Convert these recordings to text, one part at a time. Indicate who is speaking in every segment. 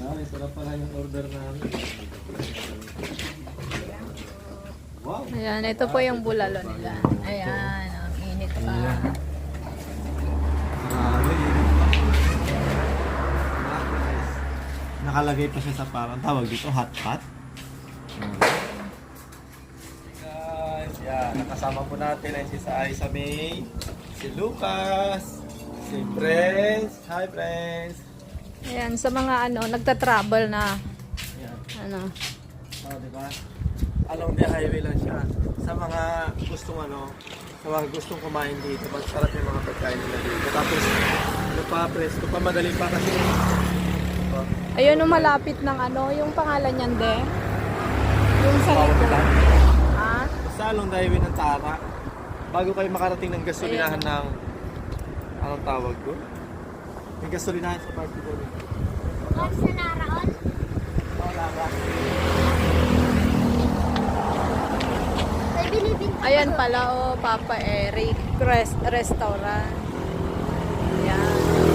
Speaker 1: Ay, sarap pala yung order namin. Wow!
Speaker 2: Ayan, ito po yung bulalo nila. Ayan, ang init pa.
Speaker 1: Grabe, init pa. Nakalagay pa siya sa parang tawag dito, hot pot. Guys, yan. Nakasama po natin ay si Isa May, si Lucas, si Prince. Hi, Prince!
Speaker 2: Ayan, sa mga nagta-travel na,
Speaker 1: Yan.
Speaker 2: ano,
Speaker 1: Diba? Along the highway lang siya. Sa mga gustong sa mga gustong kumain dito, masarap yung mga pagkain nila dito. Tapos, presko pa, madali pa kasi. Diba?
Speaker 2: ayun yung malapit ng yung pangalan niyan, de. Yung sa
Speaker 1: Bawal
Speaker 2: likod.
Speaker 1: lang.
Speaker 2: Ha?
Speaker 1: Sa along the highway ng Tara, bago kayo makarating ng gasolinahan ng, anong tawag ko? May gasolinahan sa party ko.
Speaker 3: Huwag sa naraon.
Speaker 1: Wala ba?
Speaker 3: May bilibin ka.
Speaker 2: Ayan pala, Papa Eric Restaurant. Ayan.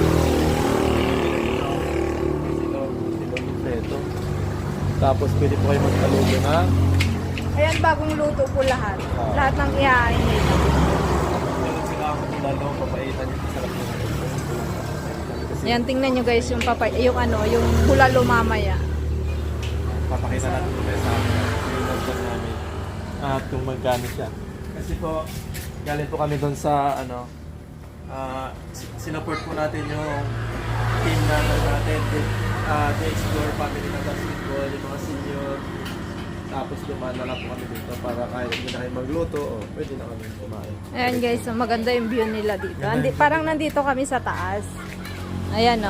Speaker 1: Silog kompleto. Tapos pwede po kayo magkalugo na.
Speaker 2: Ayan, bagong luto po lahat. Lahat ng ihain nila.
Speaker 1: Meron sila ang lalo, papaitan yung sarap na.
Speaker 2: Ayan, tingnan nyo guys yung yung bulalo mamaya.
Speaker 1: Papakita natin ito sa amin. Yung nagpas namin. At kung magkano siya. Kasi po, galing po kami doon sa sinuport po natin yung team natin. The Explore Family ng basketball, yung mga senior. Tapos dumaan na lang po kami dito para kahit hindi na kayo magluto, pwede na kami kumain.
Speaker 2: Ayan guys, maganda yung view nila dito. Parang nandito kami sa taas. Ayan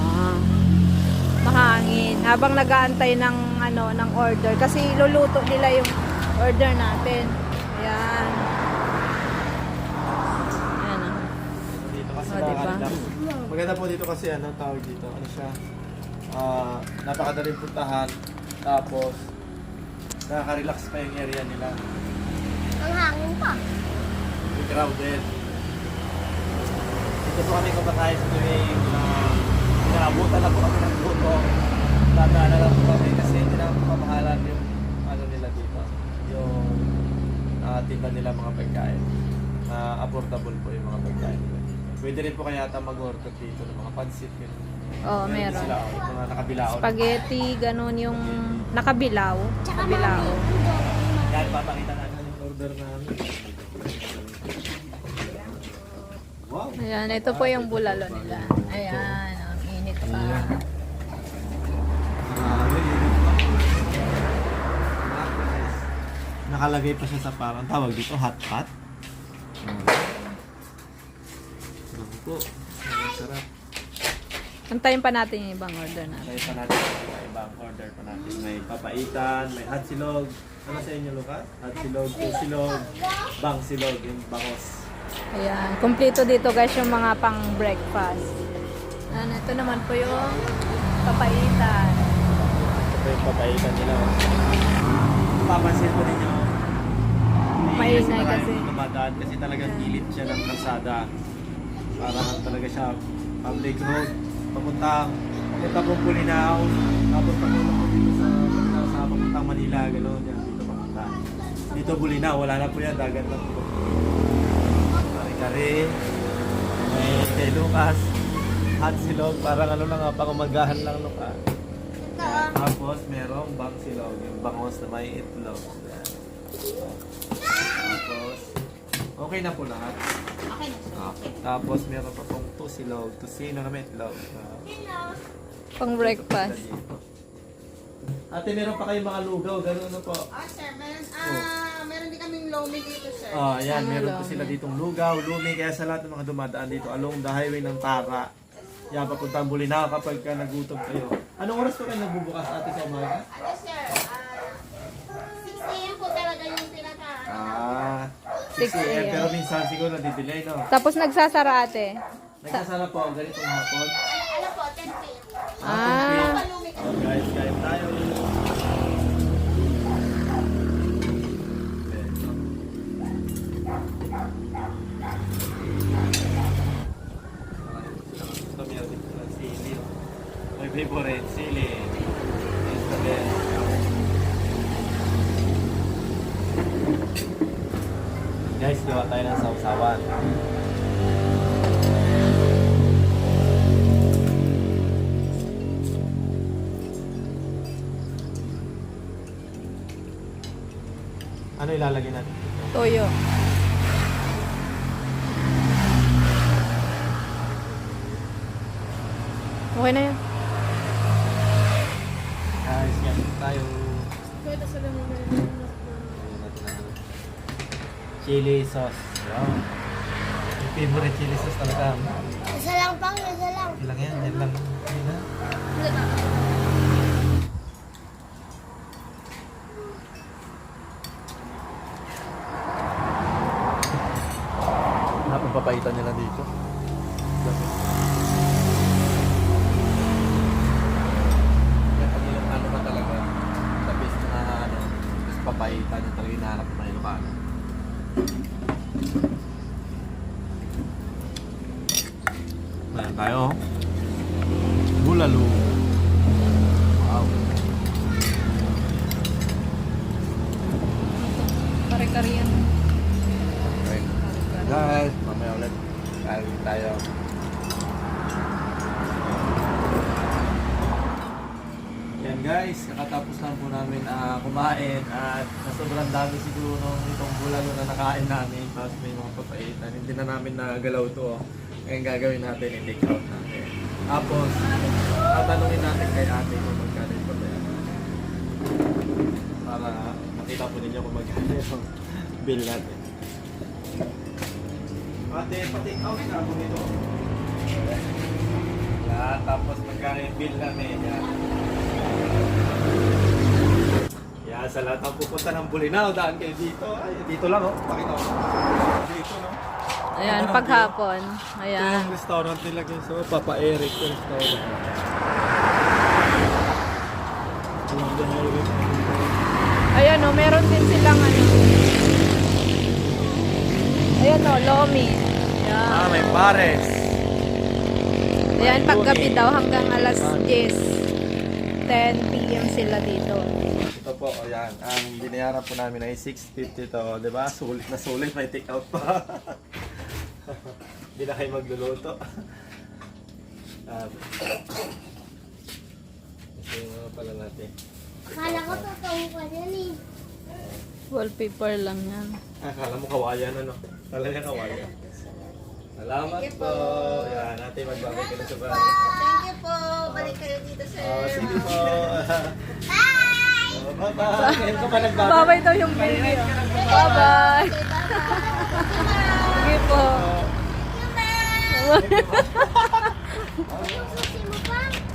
Speaker 2: mahangin. Habang nag-aantay ng ng order kasi luluto nila yung order natin. Ayan. Ayan
Speaker 1: Dito kasi
Speaker 2: diba?
Speaker 1: maganda po dito kasi tawag dito. Ano siya? Napakadaling puntahan. Tapos nakaka-relax pa yung area nila.
Speaker 3: Ang hangin pa.
Speaker 1: Hindi crowded. Dito po kami kumakain sa tuwing inaabutan na po kami ng buto. Tandaan na lang po kami kasi hindi na pamahalan yung nila dito. Yung tinda nila mga pagkain. Affordable po yung mga pagkain nila. Pwede rin po kaya mag-order dito ng mga pansit.
Speaker 2: meron.
Speaker 1: Sila, mga nakabilao.
Speaker 2: Spaghetti, ganun yung nakabilaw.
Speaker 3: Tsaka
Speaker 2: Nakabilaw.
Speaker 3: mami.
Speaker 1: Yan, papakita natin yung order namin. Wow!
Speaker 2: Ayan, ito po yung bulalo nila. Ayan, ang init pa.
Speaker 1: Nakalagay pa siya sa parang tawag dito, hot pot. Po. Sarap.
Speaker 2: Antayin pa natin yung ibang order natin.
Speaker 1: Kaya pa natin yung ibang order pa natin. May papaitan, may hot silog. Ano sa inyo, Lucas? Hot silog, silog, bang silog, yung bangos.
Speaker 2: Ayan, kumpleto dito guys yung mga pang breakfast. Ayan, ito naman po yung papaitan.
Speaker 1: Ito yung papaitan nila. Papansin ko ninyo.
Speaker 2: Maingay kasi.
Speaker 1: Dumadaan kasi talagang gilid siya ng kalsada. Parang talaga siya public road. Papunta po Bulinaw. Tapos papunta po dito sa papuntang Manila. Gano'n yan. Dito papunta. Dito Bulinaw. Wala na po yan. Dagat lang po. Kare-kare. May kay Lucas. Hot silog. Parang lang pang umagahan lang Lucas. Tapos merong bang silog. Yung bangos na may itlog. Yan. Tapos okay na po lahat.
Speaker 3: Okay na siya.
Speaker 1: Tapos meron pa pong tusilog. Tusino na may itlog.
Speaker 2: Pang breakfast.
Speaker 1: Ate, meron pa kayong mga lugaw. Gano'n na po.
Speaker 4: Sir, meron din kaming lomi dito, sir.
Speaker 1: Ayan,
Speaker 2: Ano
Speaker 1: meron po
Speaker 2: lumi?
Speaker 1: sila ditong lugaw, lumi. Kaya sa lahat ng mga dumadaan dito along the highway ng Tara. Yan, papuntang Bulinaw kapag nagutom kayo. Anong oras po kayo nagbubukas ate sa umaga?
Speaker 4: Ano, sir? 6 a.m. po talaga yung pinaka.
Speaker 1: 6
Speaker 2: 6
Speaker 1: a.m.
Speaker 2: a.m.
Speaker 1: Pero minsan siguro nadidelay, no?
Speaker 2: Tapos nagsasara ate.
Speaker 1: Nagsasara po ang ganitong hapon.
Speaker 4: Ano po, 10 p.m.
Speaker 2: Ah,
Speaker 4: Palumi ka.
Speaker 1: Guys, kain tayo. Ito meron din sila sili. May favorite sili. din. Guys, gawa tayo ng sausawan. Ano ilalagay natin?
Speaker 2: Toyo. Okay na yan.
Speaker 1: Guys, yan tayo.
Speaker 3: Pwede sa lamin na
Speaker 1: Ayun natin ang chili sauce. Wow. Yung favorite chili sauce talaga.
Speaker 3: Isa lang pang, isa lang.
Speaker 1: Ilang yan? Yan lang. Yun na. Napapapaitan nila dito. Kaya pag ilang ano ka talaga, the best na ano, tapos papaitan yung talaga hinahanap ng mga Ilocano. Ayan tayo. Bulalo. Wow.
Speaker 2: Kare-kare yan.
Speaker 1: Okay. Guys, mamaya ulit. Kain tayo. Yan guys, kakatapos lang po namin kumain at sobrang dami siguro nung itong bulalo na nakain namin. Tapos may mga papaitan. Hindi na namin nagalaw to. Ngayon gagawin natin, i-take out natin. Tapos, tatanungin natin kay ate kung magkano yung pabayaran. Para makita po ninyo kung magkano yung bill natin. Ate, pa-take out na ako nito. Yan, tapos magkano yung bill namin. Yan. Yan, sa lahat ng pupunta ng Bulinaw, daan kayo dito. Ay, dito lang oh. Pakita ko. Dito no.
Speaker 2: Ayan,
Speaker 1: Ano,
Speaker 2: paghapon.
Speaker 1: Ito
Speaker 2: Ayan.
Speaker 1: yung restaurant nila guys. So, Papa Eric yung restaurant.
Speaker 2: Ayan o, meron din silang ano. Ayan o, lomi. Ayan.
Speaker 1: May pares.
Speaker 2: Ayan, paggabi daw hanggang alas 10. 10 p.m. sila dito.
Speaker 1: Ito po, ayan. Ang binayaran po namin ay 650 to. Diba? Sulit na sulit. May take out pa. Hindi na kayo magluluto. Ito yung mga pala natin.
Speaker 3: Akala ko totoo pa yan eh.
Speaker 2: Wallpaper lang yan.
Speaker 1: Akala mo kawayan ano? Talaga kawayan. Salamat po. Yan, natin magbabay ka na sa bahay.
Speaker 4: Thank you po. Balik kayo dito, sir.
Speaker 1: Sige po. Bye-bye. Ngayon ko pa nagbabay.
Speaker 2: Babay daw yung video. Bye-bye. Sige po.
Speaker 3: Yung susi mo pa.